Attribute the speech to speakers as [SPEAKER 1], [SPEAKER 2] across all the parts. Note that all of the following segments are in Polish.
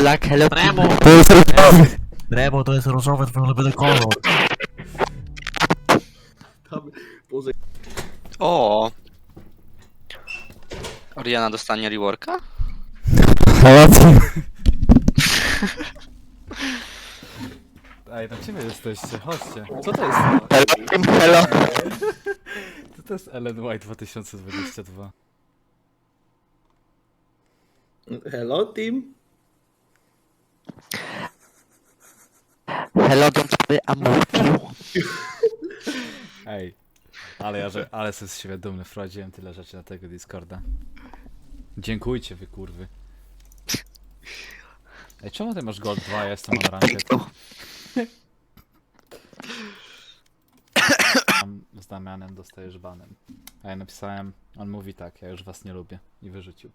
[SPEAKER 1] black, hello
[SPEAKER 2] Remo!
[SPEAKER 3] To jest różowy.
[SPEAKER 2] Remo, to jest różowy, twój ulubiony kolor.
[SPEAKER 4] Tam, Boże,
[SPEAKER 1] O. Oriana dostanie reworka?
[SPEAKER 3] Hello team. Ej, na ciebie jesteście, chodźcie. Co to jest?
[SPEAKER 1] Hello.
[SPEAKER 3] Co to jest LNY 2022?
[SPEAKER 4] hello team?
[SPEAKER 1] Hello, don't worry, I'm with you.
[SPEAKER 3] Ej, ale jestem z siebie dumny, wprowadziłem tyle rzeczy na tego Discorda. Dziękujcie wy kurwy. Ej, czemu ty masz Gold 2, ja jestem on ranked? Z Damianem dostajesz banem. A ja napisałem, on mówi tak, ja już was nie lubię. I wyrzucił.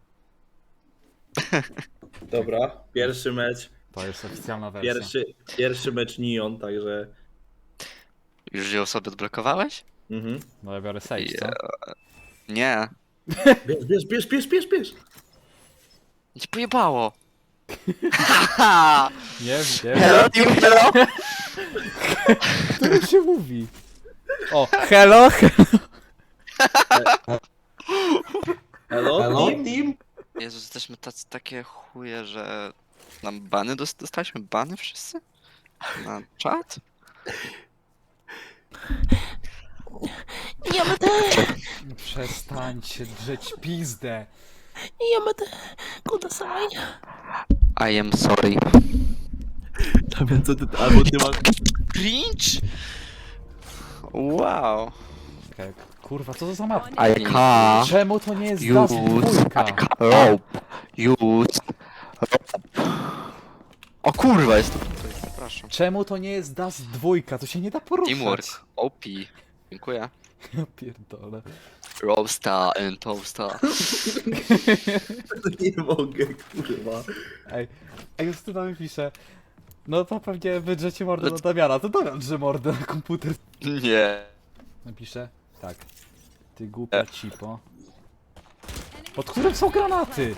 [SPEAKER 4] Dobra, pierwszy mecz.
[SPEAKER 3] To jest oficjalna wersja.
[SPEAKER 4] Pierwszy mecz Neon, także...
[SPEAKER 1] Już ją sobie odblokowałeś?
[SPEAKER 4] Mhm.
[SPEAKER 3] No ja biorę save, co?
[SPEAKER 1] Nie.
[SPEAKER 4] Bierz!
[SPEAKER 1] Cię pojebało.
[SPEAKER 3] Nie wiem.
[SPEAKER 1] Hello, team, hello.
[SPEAKER 3] To się mówi. O, hello!
[SPEAKER 4] Hello team?
[SPEAKER 1] Jezus, jesteśmy takie chuje, że nam bany dostaliśmy bany wszyscy? Na czat?
[SPEAKER 3] Przestańcie drzeć pizdę.
[SPEAKER 1] I am sorry.
[SPEAKER 4] Damian, co ty... Albo ty masz...
[SPEAKER 1] Cringe? Wow.
[SPEAKER 3] Czekaj, kurwa, co to za map?
[SPEAKER 1] I can't
[SPEAKER 3] Czemu to nie jest Dust dwójka?
[SPEAKER 1] rope. Use rope. O kurwa, jest to... Przepraszam.
[SPEAKER 3] Czemu to nie jest Dust dwójka? To się nie da poruszać.
[SPEAKER 1] Teamwork. OP. Dziękuję.
[SPEAKER 3] Ja pierdolę.
[SPEAKER 1] Roasta and toasta.
[SPEAKER 4] Nie mogę, kurwa.
[SPEAKER 3] Ej, Justyna mi pisze. No to pewnie wydrzecie mordę na Damiana. To Damian drze mordę na komputer.
[SPEAKER 1] Nie.
[SPEAKER 3] Napiszę. Tak. Ty głupia cipo. Pod którym są granaty?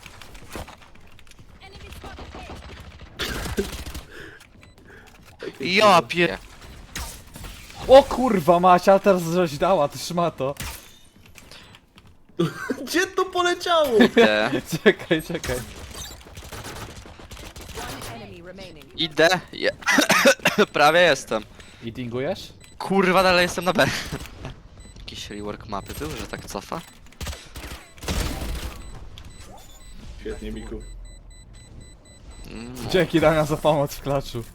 [SPEAKER 1] Ja pier...
[SPEAKER 3] O kurwa Macia, teraz żeś dała, ty szmato.
[SPEAKER 4] Gdzie to poleciało?
[SPEAKER 1] Idę.
[SPEAKER 3] Czekaj.
[SPEAKER 1] Idę. Prawie jestem.
[SPEAKER 3] Eatingujesz?
[SPEAKER 1] Kurwa, dalej jestem na B. Jakiś rework mapy był, że tak cofa?
[SPEAKER 4] Świetnie, Miku.
[SPEAKER 3] Dzięki Damian za pomoc w klaczu.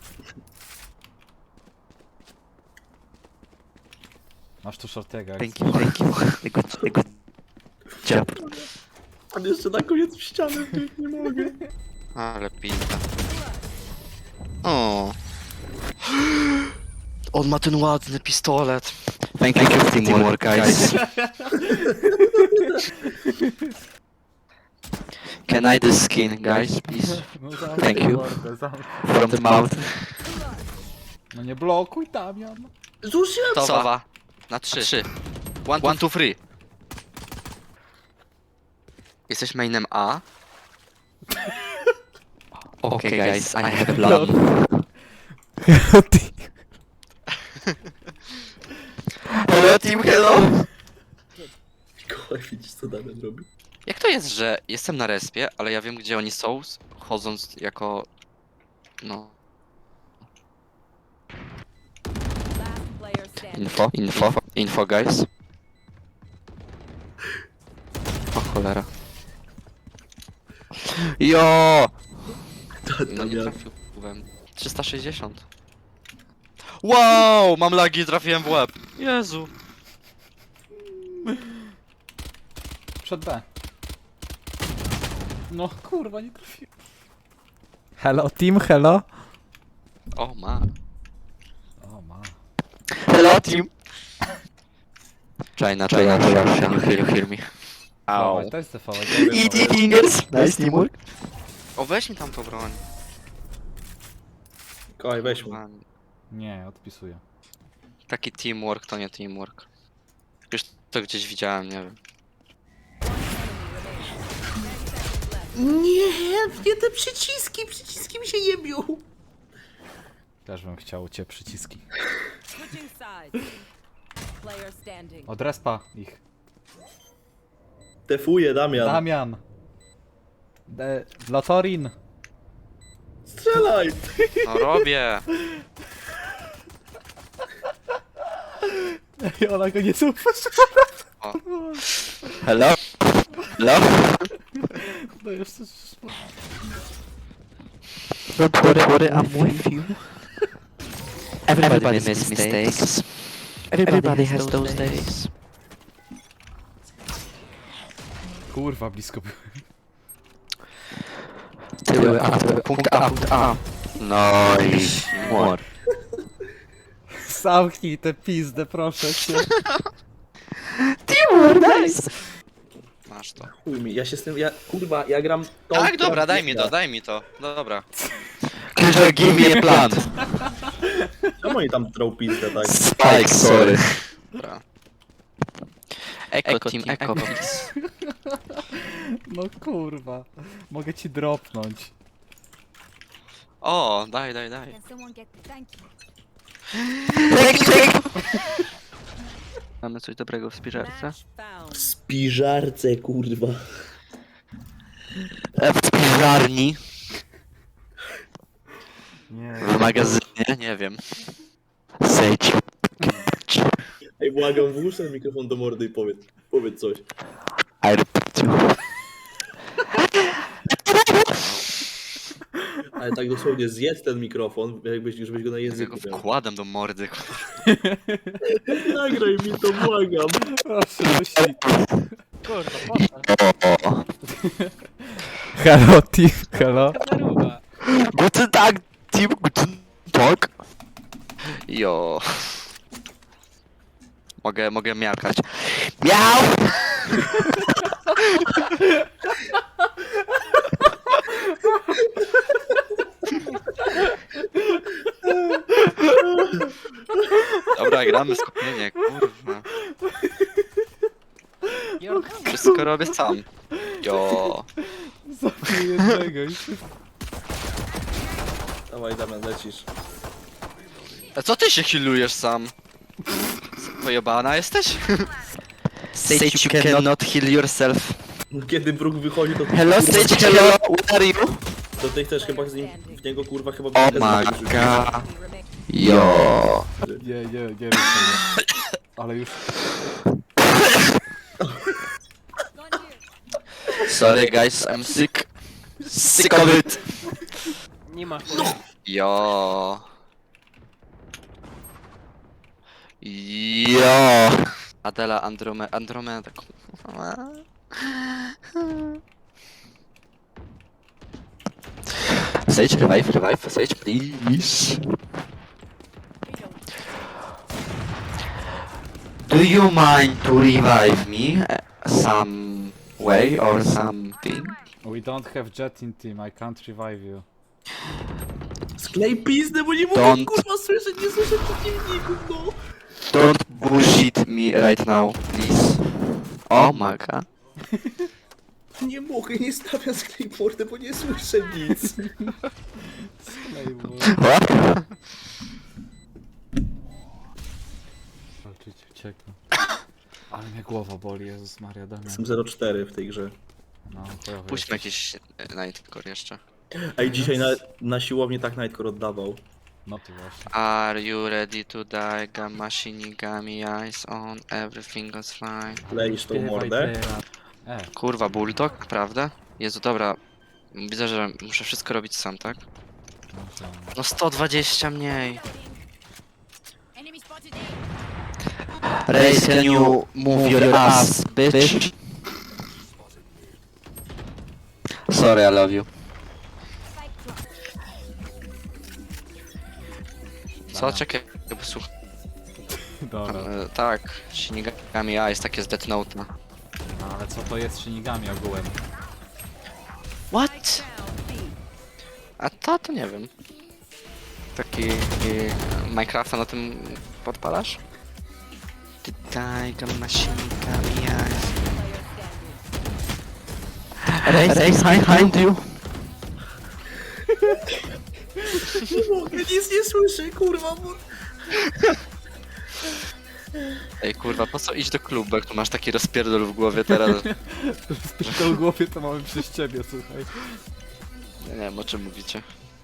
[SPEAKER 3] Masz tu shortega.
[SPEAKER 1] Thank you. Good job.
[SPEAKER 4] On jeszcze na koniec w ścianę, ty, nie mogę.
[SPEAKER 1] Ale pinta. O. On ma ten ładny pistolet. Thank you for teamwork, guys. Can I this skin, guys, please?
[SPEAKER 3] No,
[SPEAKER 1] Thank you.
[SPEAKER 3] zamknij.
[SPEAKER 1] From the mouth.
[SPEAKER 3] No nie blokuj Damian.
[SPEAKER 4] Zużyłem!
[SPEAKER 1] Sowa. Na 3. 1, 2, 3. Jesteś mainem A? Okay, guys, I have a plan. Hello, team, hello!
[SPEAKER 4] Mikołaj, widzisz co Damian robi?
[SPEAKER 1] Jak to jest, że jestem na respie, ale ja wiem gdzie oni są, chodząc jako... No... Info, guys. O cholera. Jo! No nie
[SPEAKER 4] Damian,
[SPEAKER 1] trafiłem. 360. Wow! Mam lagi, trafiłem w łeb. Jezu.
[SPEAKER 3] Przed B. No kurwa, nie trafiłem. Hello team, hello.
[SPEAKER 1] O ma.
[SPEAKER 3] O ma.
[SPEAKER 1] Hello team. China, can you hear me?
[SPEAKER 3] Au. To jest TV.
[SPEAKER 1] Eat fingers. Nice teamwork. O, weź mi tam tą broń.
[SPEAKER 4] Mikołaj, weź mu.
[SPEAKER 3] Nie, odpisuję.
[SPEAKER 1] Taki teamwork to nie teamwork. Już to gdzieś widziałem, nie wiem.
[SPEAKER 4] Nie te przyciski mi się jebią.
[SPEAKER 3] Też bym chciał cię przyciski.
[SPEAKER 5] Switching sides. Player standing.
[SPEAKER 3] Od respa ich.
[SPEAKER 4] Tefuję, Damian.
[SPEAKER 3] Damian! Lotorin!
[SPEAKER 4] Strzelaj!
[SPEAKER 1] No robię.
[SPEAKER 3] I ona go nie zauważyła.
[SPEAKER 1] Hello? Hello?
[SPEAKER 3] No jeszcze...
[SPEAKER 1] Don't worry, I'm with you. Everybody makes mistakes. Everybody has those days.
[SPEAKER 3] Kurwa, blisko byłem.
[SPEAKER 1] Tyły A, punkt A, punkt A. No i młot.
[SPEAKER 3] Zamknij tę pizdę, proszę cię.
[SPEAKER 1] Masz to.
[SPEAKER 4] Chuj mi, ja się z tym, kurwa, ja gram tą...
[SPEAKER 1] Tak,
[SPEAKER 4] która
[SPEAKER 1] dobra, daj mi
[SPEAKER 4] biega.
[SPEAKER 1] to, daj mi to. No dobra. Killer, give me a plan.
[SPEAKER 4] Czemu oni tam trą pizdę, tak?
[SPEAKER 1] Spike, sorry. Dobra. Echo team, echo please.
[SPEAKER 3] No kurwa. Mogę ci dropnąć.
[SPEAKER 1] O, daj.
[SPEAKER 6] Can someone get thank you?
[SPEAKER 1] Mamy coś dobrego w spiżarce?
[SPEAKER 5] Match found.
[SPEAKER 4] W spiżarce, kurwa.
[SPEAKER 1] W spiżarni.
[SPEAKER 3] Nie.
[SPEAKER 1] W magazynie, nie wiem. Sejdź.
[SPEAKER 4] Ej, błagam, włóż ten mikrofon do mordy i powiedz coś.
[SPEAKER 1] I repeat you.
[SPEAKER 4] Ale tak dosłownie zjedz ten mikrofon, żebyś go na
[SPEAKER 1] Ja
[SPEAKER 4] języku
[SPEAKER 1] go
[SPEAKER 4] miał.
[SPEAKER 1] wkładam do mordy.
[SPEAKER 4] Nagraj mi to, błagam.
[SPEAKER 3] Proszę, myśli. Hello, team, hello.
[SPEAKER 1] Guten Tag, team, guten Tag. Jo. Mogę miarkać. Miau! Dobra, gramy skupienie, kurwa. Wszystko robię sam. Jo.
[SPEAKER 3] Zabiję jednego i się...
[SPEAKER 4] Dawaj, Damian, lecisz.
[SPEAKER 1] A co ty się healujesz sam? Pojebana jesteś? Sage, you cannot heal yourself.
[SPEAKER 4] Kiedy Brook wychodzi, to...
[SPEAKER 1] Hello, Sage, hello, where are you?
[SPEAKER 4] To ty chcesz chyba z nim, w niego, kurwa, chyba...
[SPEAKER 1] Oh
[SPEAKER 4] bez
[SPEAKER 1] my
[SPEAKER 4] magii rzucić.
[SPEAKER 1] god. Jo.
[SPEAKER 3] Nie rób tego. Ale już...
[SPEAKER 1] Sorry guys, I'm sick. Sick of it.
[SPEAKER 7] Nie ma.
[SPEAKER 1] Jo. Jo. Adela Andromeda. Sage, revive, Sage, please. Do you mind to revive me some way or something?
[SPEAKER 3] We don't have jet in team, I can't revive you.
[SPEAKER 4] Sklej pizdę, bo nie mogę,
[SPEAKER 1] Don't.
[SPEAKER 4] kurwa, słyszeć, nie słyszę przeciwników, no.
[SPEAKER 1] Don't bullshit me right now, please. Oh my god.
[SPEAKER 4] Nie mogę, nie stawiam sklej mordę, bo nie słyszę nic.
[SPEAKER 1] What?
[SPEAKER 3] Walczyć, ucieknę. Ale mnie głowa boli, Jezus Maria, Damian.
[SPEAKER 4] Jestem 0,4 w tej grze.
[SPEAKER 3] No, chujowy
[SPEAKER 1] Puśćmy
[SPEAKER 3] jesteś.
[SPEAKER 1] jakiś Nightcore jeszcze.
[SPEAKER 4] Ej, dzisiaj na siłowni tak Nightcore oddawał.
[SPEAKER 3] No ty właśnie.
[SPEAKER 1] Are you ready to die? Gamma Shinigami eyes on, everything goes fine.
[SPEAKER 4] Kleisz tą
[SPEAKER 3] Śpiewaj
[SPEAKER 4] mordę.
[SPEAKER 3] teraz.
[SPEAKER 1] Kurwa, Bulldog, prawda? Jezu, dobra. Widzę, że muszę wszystko robić sam, tak?
[SPEAKER 3] No to...
[SPEAKER 1] No 120 mniej.
[SPEAKER 6] Enemy spotted
[SPEAKER 1] Race, can you move your ass, bitch? Sorry, I love you. Co? Czekaj, posłuchaj.
[SPEAKER 3] Dobra.
[SPEAKER 1] Tak, Shinigami Eyes, takie z Death Note.
[SPEAKER 3] No ale co to jest Shinigami ogółem?
[SPEAKER 1] What? A to nie wiem. Taki Minecrafta na tym podpalasz? Tutaj Gamma Shinigami Eyes.
[SPEAKER 2] Race behind you.
[SPEAKER 4] Nie mogę, nic nie słyszę, kurwa, bo...
[SPEAKER 1] Ej kurwa, po co iść do klubu, jak tu masz taki rozpierdol w głowie teraz?
[SPEAKER 3] W głowie to mamy przez ciebie, słuchaj.
[SPEAKER 1] Ja nie wiem, o czym mówicie.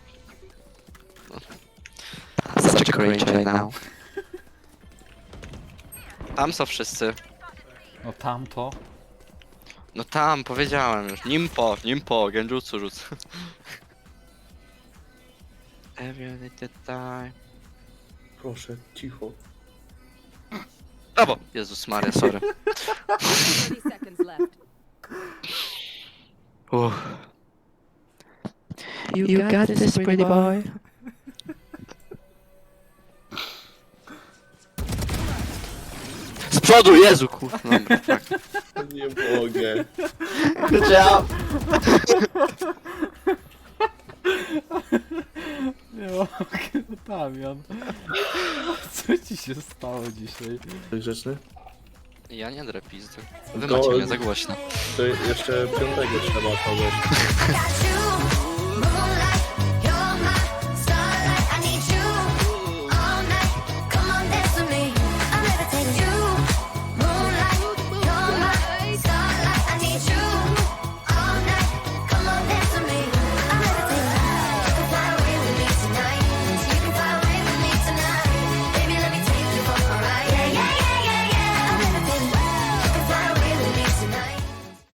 [SPEAKER 2] Such a cringe right now.
[SPEAKER 1] Tam są wszyscy.
[SPEAKER 3] No tamto.
[SPEAKER 1] No tam, powiedziałem już. Nimpo, genjutsu rzuc. Every little time.
[SPEAKER 4] Proszę, cicho.
[SPEAKER 1] Brawo! Jezus Maria, sorry.
[SPEAKER 5] 30 seconds left.
[SPEAKER 2] You got this, pretty boy.
[SPEAKER 1] Z przodu, Jezu, kurwa. Dobra, tak.
[SPEAKER 4] Nie mogę.
[SPEAKER 1] Good job!
[SPEAKER 3] Nie mogę, Damian. Co ci się stało dzisiaj?
[SPEAKER 4] Tak grzeczny?
[SPEAKER 1] Ja nie drę pizdy. Wy
[SPEAKER 4] To-
[SPEAKER 1] macie mnie za głośno.
[SPEAKER 4] To jeszcze piątego trzeba kogoś.
[SPEAKER 7] Got you